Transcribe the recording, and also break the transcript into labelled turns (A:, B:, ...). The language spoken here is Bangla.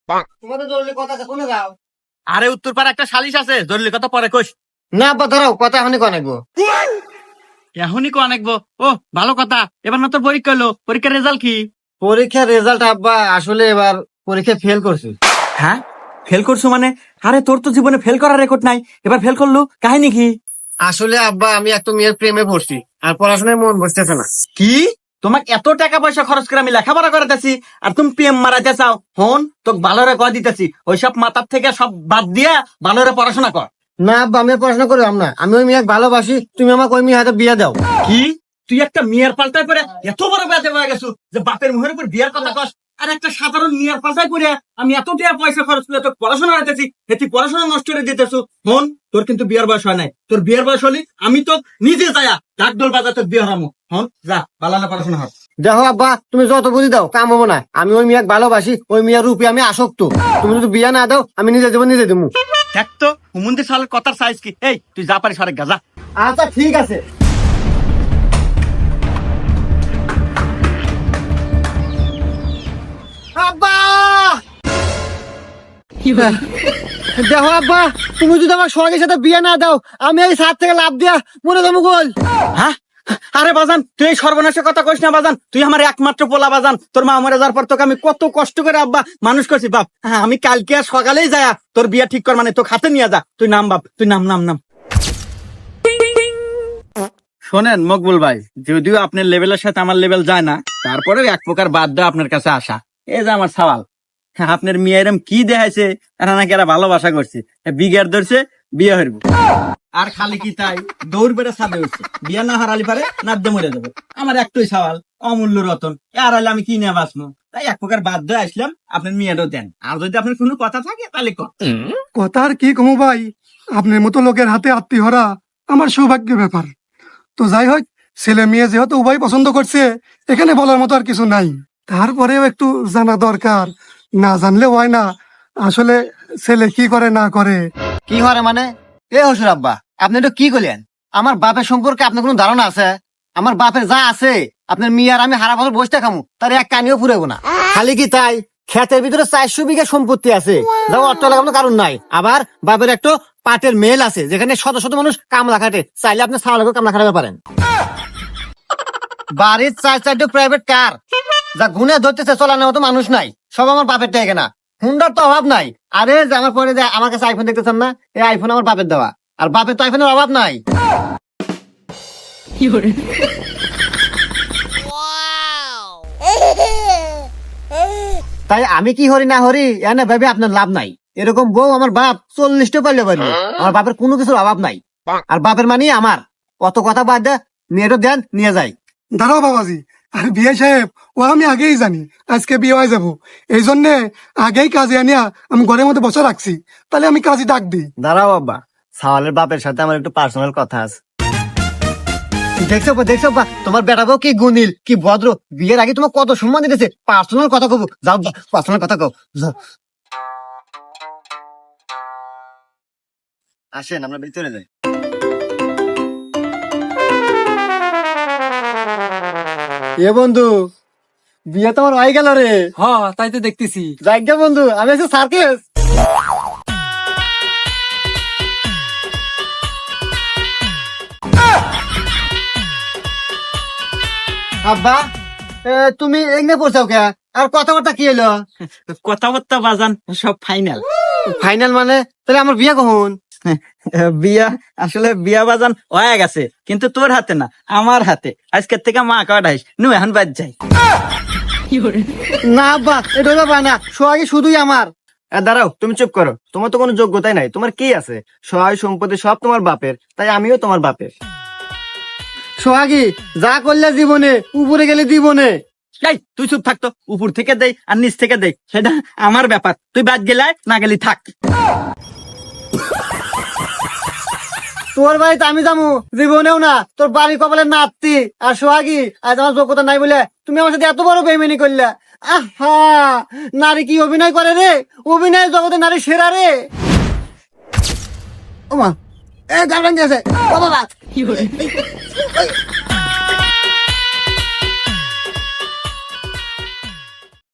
A: তোমাদের জরুরি কথা আছে, কোনে যাও?
B: আরে উত্তরপাড়া একটা সালিশ আছে, জরুরি কথা পরে কইস।
A: না আব্বা ধরাও, কথা এখনই কনাইবো।
B: এখনই কো অনেকবো। ও ভালো কথা, এবার না তোর পরীক্ষা হলো, পরীক্ষার রেজাল্ট কি?
A: পরীক্ষার রেজাল্ট আব্বা আসলে এবার পরীক্ষায় ফেল করছি।
B: হ্যাঁ, ফেল করছো মানে? আরে তোর তো জীবনে ফেল করার রেকর্ড নাই, এবার ফেল করলু, কাহিনী কি?
A: আসলে আব্বা আমি একটা মেয়ের প্রেমে পড়ছি, আর পড়াশোনায় মন বসতেছে না।
B: কি? তোমাকে এত টাকা পয়সা খরচ করে আমি লেখাপড়া করাতেছি, আর তুমি প্রেম মারাতে চাও? হন, তোকে ভালোরে কয় দিতেছি, ওইসব মাথার থেকে সব বাদ দিয়া ভালোরে পড়াশোনা কর।
A: না আব্বা আমি আর পড়াশোনা করলাম না, আমি ওই মেয়েকে ভালোবাসি, তুমি আমাকে ওই মেয়ে হাতে বিয়ে দাও।
B: কি? তুই একটা মেয়ের পাল্টায় পরে এত বড় বেঁচে হয়ে গেছো যে বাপের মুখের উপর বিয়ের কথা কস? আর একটা সাধারণ মেয়ের পাল্টায় পরে আমি এত টাকা পয়সা খরচ করে তোকে পড়াশোনা দিতেছি, তুই পড়াশোনা নষ্ট করে দিতেছো। হন, তোর কিন্তু বিয়ের বয়স হয় নাই, তোর বিয়ের বয়স হলি আমি তো নিজে যায়া ঢাকঢোল বাজা তোর বিয়ে হারামো। হন, যা বালানা পড়াশোনা হয়।
A: দেখো আব্বা তুমি যত বুঝি দাও কাম হবো না, আমি ওই মেয়েকে ভালোবাসি, ওই মেয়ের রূপে আমি আসক্ত। তুমি যদি বিয়ে না দাও আমি নিজে দেবো, নিজে দেবো।
B: দেখ তো হুমুন্দি সালের কথার সাইজ কি। এই তুই যা পারিস অনেক গাজা।
A: আচ্ছা ঠিক আছে। আব্বা দেখো আব্বা, তুমি যদি আমার সঙ্গের সাথে বিয়ে না দাও আমি এই ছাদ থেকে লাভ দিয়া মরে যাবো গোল।
B: হ্যাঁ, আরে বাজান তুই এই সর্বনাশের কথা কইস না বাজান, তুই আমার একমাত্র পোলা বাজান। তোর মা মরে যাওয়ার পর তোকে আমি কত কষ্ট করে আব্বা মানুষ করছি বাপ। হ্যাঁ, আমি কালকে আর সকালেই যায়া তোর বিয়া ঠিক কর, মানে তোকে হাতে নিয়ে যা। তুই নাম বাপ, তুই নাম নাম নাম। শোনেন মকবুল ভাই, যদিও আপনার লেভেলের সাথে আমার লেভেল যায় না, তারপরেও এক প্রকার বাধ্য আপনার কাছে আসা। এই যে আমার সওয়াল, হ্যাঁ, আপনার মেয়ে এরম কি দেখাইছে, এরা নাকি এরা ভালোবাসা করছে, বিঘার ধরছে, বিয়ে হইব। আর খালি কি তাই, দৌড় বেড়ে ছাদে উঠছে, বিয়ে না হারালি পারে নাদ্যে মরে যাবে। আমার একটাই সওয়াল, অমূল্য রতন, আর হলে আমি কি নিয়ে বাঁচবো? তাই এক প্রকার বাধ্য আসলাম, আপনার মেয়েটাও দেন। আর যদি আপনার কোনো কথা থাকে তাহলে কর।
C: কথা আর কি কমু ভাই, আপনার মতো লোকের হাতে আত্মীয়রা আমার সৌভাগ্যের ব্যাপার। তো যাই হোক, ছেলে মেয়ে যেহেতু উভয় পছন্দ করছে, এখানে বলার মতো আর কিছু নাই। তারপরেও একটু জানা দরকার, না জানলে হয় না আসলে ছেলে কি করে না করে।
A: কি হরে মানে? এ হসুর আব্বা আপনি তো কি করলেন? আমার বাপের সম্পর্কে আপনার কোনো ধারণা আছে? আমার বাপের যা আছে আপনার মেয়ে আর আমি হারা বছর বসতে খামু, তার এক কানিও ফুরাবো না। খালি কি তাই, ক্ষেতের ভিতরে 400 বিঘা সম্পত্তি আছে, যা অর্থ লাগানোর কারণ নাই। আবার বাপের একটা পাটের মেল আছে যেখানে শত শত মানুষ কামলা খাটে, চাইলে আপনি ছাড়া লাগেও কামলা খাটাতে পারেন। বাড়ির 4-4টা প্রাইভেট কার, যা গুনে ধরতেছে চলানোর মতো মানুষ নাই, সব আমার বাপের টাকা না। হুন্ডার তো অভাব নাই। আরে যে আমার পরে যে আমার কাছে আইফোন দেখতেছেন না, এই আইফোন আমার বাপের দেওয়া, আর বাপের তো আইফোনের অভাব নাই। তাই আমি কি হরি না হরি এনে ভেবে আপনার লাভ নাই। এরকম বউ আমার বাপ 40টা পারলে পারলো, আমার বাপের কোনো কিছুর অভাব নাই। আর বাপের মানে আমার অত কথা বাদ দে, মেয়েটা দেন নিয়ে যাই।
C: দাঁড়াও বাবাজি, আর বিয়ে সাহেব ও আমি আগেই জানি আজকে বিয়ে হয়ে যাবো, এই জন্যে আগেই কাজে আনিয়া আমি ঘরের মধ্যে বসে রাখছি। তাহলে আমি কাজে ডাক দিই।
A: দাঁড়াও বাবা, সাওয়ালের বাপের সাথে আমার একটু পার্সোনাল কথা আছে। দেখছো বা তোমার বেটাবো কি গুনিল কি ভদ্র, বিয়ের আগে তোমার কত সম্মান দিতেছে। পার্সোনাল কথা কব, যাও পার্সোনাল কথা কব, যাও। আসেন আমরা ভিতরে যাই। এ বন্ধু, বিয়ে তোমার হয়ে গেল রে।
B: হ্যাঁ, তাই তো দেখতেছি।
A: যাই গে বন্ধু, আমি আছি সার্কেস। আব্বা তুমি এগনে পড়ছাও কে? আর কথাবার্তা কি হলো?
B: কথাবার্তা বাজান সব ফাইনাল।
A: ফাইনাল মানে? তাহলে আমার বিয়ে কখন?
B: বিয়া, আসলে বিয়া বাজান হয়ে গেছে, কিন্তু তোর হাতে না, আমার হাতে। আজকের থেকে মা কাটাইস নু, এখন বাদ যাই।
A: না আব্বা এটা ব্যাপার না, সোহাগী শুধুই আমার। দাঁড়াও তুমি চুপ করো, তোমার তো কোনো যোগ্যতাই নাই। তোমার কি আছে? সহায় সম্পত্তি সব তোমার বাপের, তাই আমিও তোমার বাপের। সোহাগী যা করলে জীবনে, উপরে গেলে জীবনে।
B: এই তুই চুপ থাকতো, উপর থেকে দেই আর নিচ থেকে দেই সেটা আমার ব্যাপার। তুই বাদ গেলে না গেলি থাক।
A: তোর বাড়িতে আমি যাবো জীবনেও না, তোর বাড়ি কপালের নাতি। আর সোহাগী আজ আমার যোগ্যতা নাই বলে তুমি আমার সাথে এত বড় বেইমানি করলে। আহা, নারী কি অভিনয় করে রে, অভিনয় জগতে নারী সেরা রে। ওমা এ গার্লফ্রেন্ড আছে, ও বাবা।